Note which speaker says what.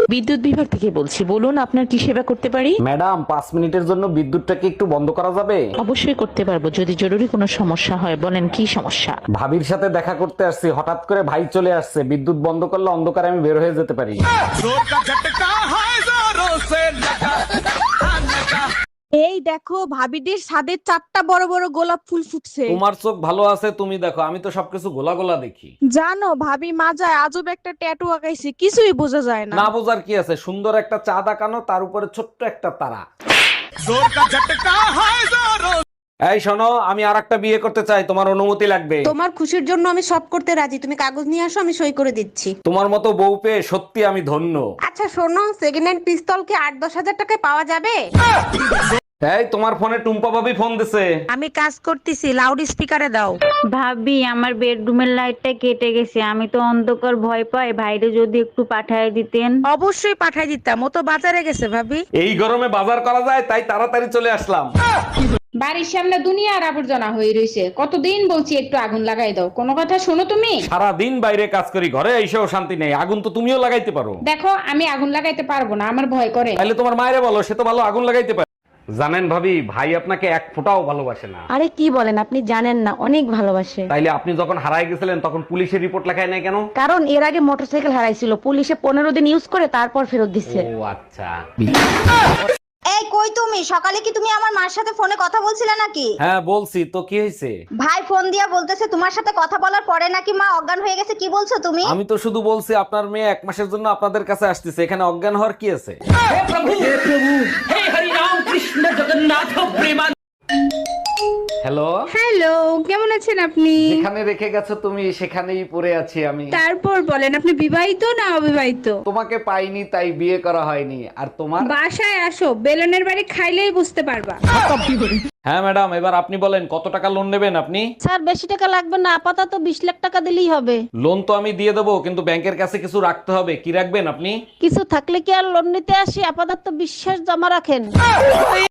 Speaker 1: বিদ্যুৎ বিভাগ থেকে বলছি, বলুন আপনার কি সেবা করতে পারি।
Speaker 2: ম্যাডাম 5 মিনিটের জন্য বিদ্যুৎটাকে একটু বন্ধ করা যাবে?
Speaker 1: অবশ্যই করতে পারবো, যদি জরুরি কোনো সমস্যা হয়। বলেন কি সমস্যা।
Speaker 2: ভাবির সাথে দেখা করতে আসছি, হঠাৎ করে ভাই চলে আসছে, বিদ্যুৎ বন্ধ করলে অন্ধকারে আমি বের হয়ে যেতে পারি।
Speaker 3: এই দেখো ভাবিদের ছাদের 4টা বড় বড় গোলাপ ফুল ফুটছে।
Speaker 2: তোমার চোখ ভালো আছে, তুমি দেখো, আমি তো সবকিছু গোলা গোলা দেখি।
Speaker 3: জানো ভাবি মাজায় আজব একটা ট্যাটু আঁকাইছে, কিছুই বোঝা যায় না।
Speaker 2: না বোঝার কি আছে, সুন্দর একটা চাঁদ আঁকানো, তার উপরে ছোট্ট একটা তারা। এই শোনো, আমি আর একটা বিয়ে করতে চাই, তোমার অনুমতি লাগবে।
Speaker 4: তোমার খুশির জন্য আমি সব করতে রাজি, তুমি কাগজ নিয়ে আসো, আমি সই করে দিচ্ছি।
Speaker 2: তোমার মতো বউ পেয়ে সত্যি আমি ধন্য।
Speaker 4: আচ্ছা শোনো, সেকেন্ড হ্যান্ড পিস্তল কি 8-10 হাজার টাকায় পাওয়া যাবে?
Speaker 2: এই তোমার ফোনে টুম্পা ভাবি ফোন দিছে।
Speaker 4: আমি কাজ করতেছি, লাউড স্পিকারে দাও।
Speaker 5: ভাবি আমার বেডরুমের লাইটটা কেটে গেছে, আমি তো অন্ধকার ভয় পাই, ভাইরে যদি একটু পাঠায় দিতেন।
Speaker 4: অবশ্যই পাঠাই দিতাম, ও তো বাজারে গেছে ভাবি।
Speaker 2: এই গরমে বাজার করা যায়, তাই তাড়াতাড়ি চলে আসলাম।
Speaker 6: বাড়ির সামনে দুনিয়ার আবর্জনা হয়ে রয়েছে, কতদিন বলছি একটু আগুন লাগাই দাও, কোনো কথা শোনো তুমি?
Speaker 2: সারা দিন বাইরে কাজ করি, ঘরে এসেও শান্তি নেই। আগুন তো তুমিও লাগাইতে পারো।
Speaker 6: দেখো আমি আগুন লাগাইতে পারবো না, আমার ভয় করে।
Speaker 2: তাহলে তোমার মায়েরে বলো, সে তো ভালো আগুন লাগাইতে পারে। জানেন ভাবি, ভাই আপনাকে এক ফোঁটাও ভালোবাসে না।
Speaker 7: আরে কি বলেন, আপনি জানেন না, অনেক ভালোবাসে।
Speaker 2: তাইলে আপনি যখন হারায় গেছিলেন তখন পুলিশের রিপোর্ট লেখায় নাই কেন?
Speaker 7: কারণ এর আগে মোটরসাইকেল হারাইছিল, পুলিশে 15 দিন ইউজ করে তারপর ফেরত দিচ্ছে।
Speaker 2: ও আচ্ছা।
Speaker 8: এই কই তুমি? সকালে কি তুমি আমার মার সাথে ফোনে কথা বলছিলে নাকি?
Speaker 2: হ্যাঁ বলছি তো, কি হয়েছে?
Speaker 8: ভাই ফোন দিয়া বলতেছে তোমার সাথে কথা বলার পরে নাকি মা অজ্ঞান হয়ে গেছে। কি বলছো তুমি?
Speaker 2: আমি তো শুধু বলছি আপনার মেয়ে 1 মাসের জন্য আপনাদের কাছে আসতেছে, এখানে অজ্ঞান হওয়ার কি আছে? হ্যালো
Speaker 6: হ্যালো, কেমন আছেন আপনি?
Speaker 2: যেখানে রেখে গেছো তুমি সেখানেই পড়ে আছি আমি।
Speaker 6: তারপর বলেন, আপনি বিবাহিত না অবিবাহিত?
Speaker 2: তোমাকে পাইনি তাই বিয়ে করা হয়নি। আর তোমার?
Speaker 6: বাসায় আসো, বেলনের বাড়ি খাইলেই বুঝতে পারবা।
Speaker 2: হ্যাঁ ম্যাডাম, এবার আপনি বলেন কত টাকা লোন নেবেন আপনি?
Speaker 7: স্যার বেশি টাকা লাগবে না, আপাতত 20 লাখ টাকা দিলেই হবে।
Speaker 2: লোন তো আমি দিয়ে দেবো, কিন্তু ব্যাংকের কাছে কিছু রাখতে হবে। কি রাখবেন আপনি?
Speaker 7: কিছু থাকলে কি আর লোন নিতে আসি, আপাতত বিশ্বাস জমা রাখেন।